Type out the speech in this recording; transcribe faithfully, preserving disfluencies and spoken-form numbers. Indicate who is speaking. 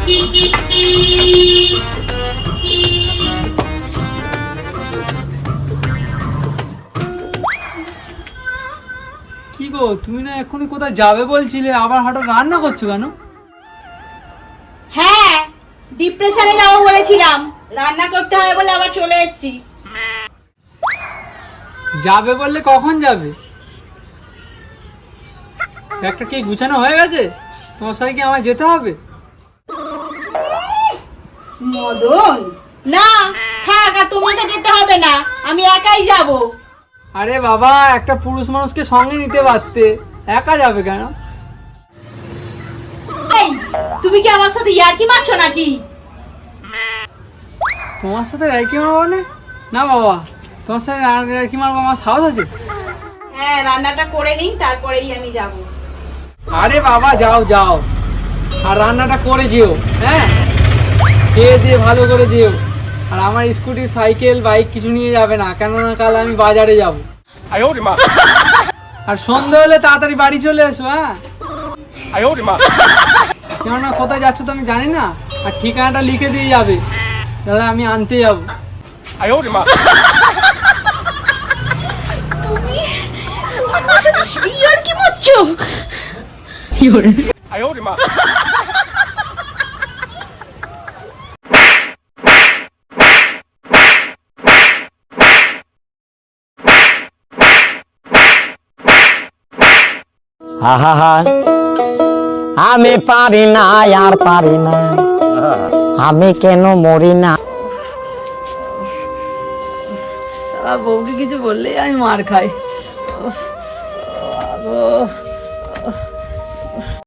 Speaker 1: কি গো, তুমি না এক্ষুনি কোথায় যাবে বলছিলে, আবার হঠাৎ রান্না করছো কেন?
Speaker 2: হ্যাঁ, ডিপ্রেশনে যাবো বলেছিলাম, রান্না করতে হবে বলে আবার চলে এসেছি।
Speaker 1: যাবে বললে কখন যাবে? একটা কি গুছানো হয়ে গেছে? তোমার সাথে কি আমায় যেতে হবে?
Speaker 2: মদন, না থাক, আর তোমাকে যেতে হবে না, আমি একাই যাব।
Speaker 1: আরে বাবা, একটা পুরুষ মানুষকে সঙ্গে নিতে পারতে, একা যাবে কেন?
Speaker 2: এই, তুমি কি আমার সাথে ইয়ার্কি মারছো নাকি?
Speaker 1: তোমার সাথে রাইকি মারবো মানে? না বাবা, তোমার সাথে রাইকি মারবো আমার সাহস আছে?
Speaker 2: হ্যাঁ, রান্নাটা করে নিই, তারপরেই আমি যাব।
Speaker 1: আরে বাবা, যাও যাও, আর রান্নাটা করে যেও। হ্যাঁ, খেয়ে দিয়ে ভালো করে যেও। আর আমার স্কুটি, সাইকেল, বাইক কিছু নিয়ে যাবে না, কেননা কাল আমি বাজারে যাব। আর সন্ধ্যা হলে তাড়াতাড়ি বাড়ি চলে এসো। হ্যাঁ, কেননা কোথায় যাচ্ছ তো আমি জানি না, আর ঠিকানাটা লিখে দিয়ে যাবে, তাহলে আমি আনতে যাবো।
Speaker 2: তুমি আমার সাথে ইয়ার্কি মারছো? কি হলো?
Speaker 3: আহা, আমি পারি না, আর পারি না, আমি কেন মরি না।
Speaker 1: বউকে কিছু বললেই আমি মার খাই।